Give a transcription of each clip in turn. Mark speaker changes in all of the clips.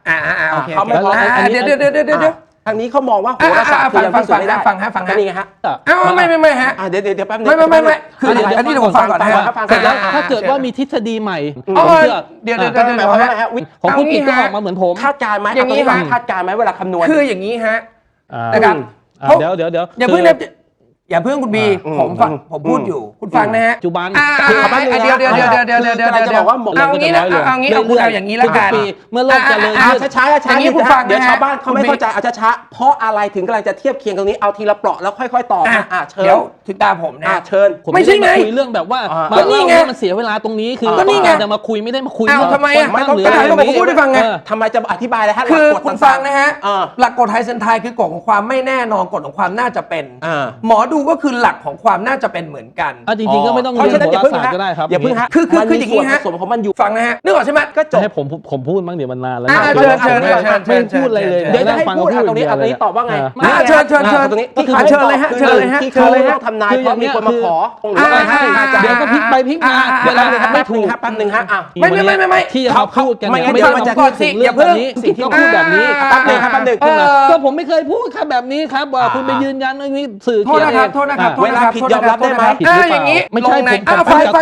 Speaker 1: โอเค
Speaker 2: เขาไม่พอ
Speaker 1: เดี๋ยว
Speaker 2: ทางนี้เขามองว่าโหราศาสตร์คือยังพิสูจน์ไม่ได้ฟังนี่ไงฮะ
Speaker 1: ไม่ฮะ
Speaker 2: เดี๋ยวแป๊บนึง
Speaker 1: ไม่คืออันนี้ผมฟังก่อนนะ
Speaker 2: ฟัง
Speaker 3: เสร็จแล้วถ้าเกิดว่ามีทฤษฎีใหม่
Speaker 1: เดี๋ยว
Speaker 3: ของคุณกิจก็ออกมาเหมือนผม
Speaker 2: คาดการณ์ไหมอย่างนี้คาดการณ์ไหมเวลาคำนวณ
Speaker 1: คืออย่างนี้ฮะนะครับ
Speaker 3: เดี๋ยว
Speaker 1: อย่าเพิ่งคุณบีผมพูดอยู่คุณฟังนะฮะ
Speaker 3: ปัจจุบัน
Speaker 1: เดี๋ยว
Speaker 2: จะบอกว่าหมด
Speaker 1: เอางี้นะเอางี้เอาอย่างนี้แล้วกัน
Speaker 3: เมื่อโลกเจริญ
Speaker 2: ช้าอย่างนี้คุณฟังเดี๋ยวชาวบ้านเขาไม่เข้าใจเอาช้าเพราะอะไรถึงกำลังจะเทียบเคียงตรงนี้เอาทีละเปราะแล้วค่อยๆต่อ
Speaker 1: เชิญเดี๋ยวถึงตาผมนะ
Speaker 2: เชิญ
Speaker 3: ไม่ใช่ไงคุยเรื่องแบบว่ามันเสียเวลาตรงนี้คือก็นี่ไงจะมาคุยไม่ได้มาคุย
Speaker 1: ทำไม
Speaker 2: ไม่ต้อง
Speaker 1: ผมพูดให้ฟังไง
Speaker 2: ทำไมจะอธิบายเลยฮะ
Speaker 1: คือคุณฟังนะฮะหลักกฎไทยเซนไทยคือกฎของความไม่แน่นอนกฎของความน่าจะเป็นหมอดูก็คือหลักของความน่าจะเป็นเหมือนกัน
Speaker 3: จริงๆก็ไม่ต้องเรียนโหราศาสตร์ก็ได้ครับ
Speaker 2: อย่าเพิ่งฮะ
Speaker 1: คืออย่างนี้ฮะ
Speaker 2: สมของมันอยู่
Speaker 1: ฟังนะฮะนึกออกใช่ไหม
Speaker 2: ก็จบ
Speaker 3: ให้ผมพูดบ้างเดี๋ยวมันนานแล้ว
Speaker 1: เชิญ
Speaker 3: ไม่พูดอะไรเลย
Speaker 2: เดี๋ยวจะให้พูดตรงนี้ตอบว่าไง
Speaker 1: เชิญตรงนี้
Speaker 2: เชิญเลยฮะที่เขาต้องทำนายเพราะมีคนมาขอ
Speaker 3: เดี๋ยวก็พลิกไปพลิกมา
Speaker 2: เดี๋ยวไม่ถูกแป๊บนึงฮะ
Speaker 3: ไม่ที่เขาพูดกัน
Speaker 2: ไม่
Speaker 3: ไม่
Speaker 2: มันจะ
Speaker 3: พูดถึงเรื่องแบบนี้สิ่งที่พูดแบบนี้
Speaker 2: แป๊บนึง
Speaker 3: ก็ผมไม่เคยพูดครับแบบนี้ครับว่าคุณไปยืนยันว่านี่สื่อ
Speaker 1: โทษนะครับ
Speaker 2: เวลาผิดยอมรับได้ไหม
Speaker 1: อย่างนี้
Speaker 3: ไม่ใช่
Speaker 1: ฟัง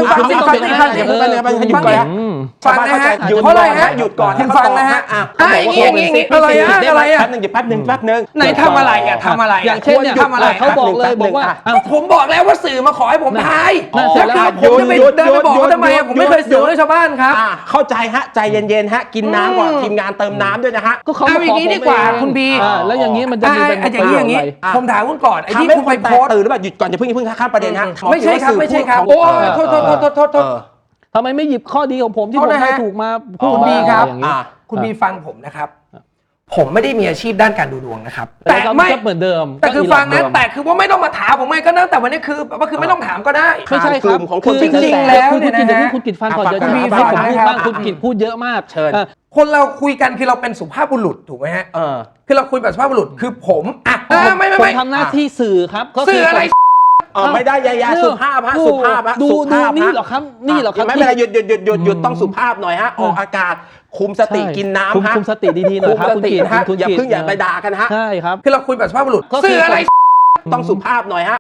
Speaker 2: นะฮะหยุดก่อนฮะหยุดก่อน
Speaker 1: ฟังนะฮะอย่างนี้อะไร
Speaker 2: แป๊บนึง
Speaker 1: ไหนทำอะไรทำอะไร
Speaker 3: อย่างเช่นเนี่ยเขาบอกเลยบอกว่า
Speaker 1: ผมบอกแล้วว่าสื่อมาขอให้ผมทายแล้วผมจะไปเดินไปบอกทำไมผมไม่เคยสื่อให้ชาวบ้านครับ
Speaker 2: เข้าใจฮะใจเย็นๆฮะกินน้ำก่อนทีมงานเติมน้ำด้วยนะฮะ
Speaker 3: ก็เขา
Speaker 1: อย่างนี้ดีกว่าคุณบี
Speaker 3: แล้วอย่างนี้มันจะมีเป็น
Speaker 1: อย่างนี้ผมถามคุณก่อนไอ้ที่คุณไปโพส
Speaker 2: ตื่นหรือเปล่าหยุดก่อนอย่าเพิ่งข้ามประเด็นฮะ
Speaker 1: ไม่ใช่ครับโอ้โทษ
Speaker 3: ทำไมไม่หยิบข้อดีของผมที่ผมได้ถูกมาพูด
Speaker 1: ดีครับคุณบีฟังผมนะครับผมไม่ได้มีอาชีพด้านการดูดวงนะครับ
Speaker 3: แต่ไม่เหมือนเดิม
Speaker 1: แต่คือฟังนะแต่คือว่าไม่ต้องมาถามผมไงก็นั่งแต่วันนี้คือไม่ต้องถามก็ได้
Speaker 3: ไม่ใช่ครับ
Speaker 2: คือ
Speaker 1: จริงๆแล้วเนี่ย
Speaker 3: นะคุณกิจฟังก่อนจะมีให้ผมพูดบ้างคุณกิจพูดเยอะมาก
Speaker 2: เชิญ
Speaker 1: คนเราคุยกันคือเราเป็นสุภาพบุรุษถูกไหมฮะคือเราคุยแบบสุภาพบุรุษคือผม
Speaker 3: ไม่ทำหน้าที่สื่อครับ
Speaker 1: สื่ออะไร
Speaker 2: ไม่ได้ยาสุภาพฮะสุภาพฮะ
Speaker 3: ดูนี่หรอครับนี่หรอครับ
Speaker 2: ไม่เป็นไรหยุดต้องสุภาพหน่อยฮะออกอากาศคุมสติกินน้ำฮะ
Speaker 3: คุมสติดีๆหน่อยครับคุณกิจ
Speaker 2: อย่าเพิ่งอย่าไปด่ากันฮะ
Speaker 3: ใช่ครับ
Speaker 1: คือเราคุยแบบสุภาพบุรุษ
Speaker 2: สื่ออะไรต้องสุภาพหน่อยฮะ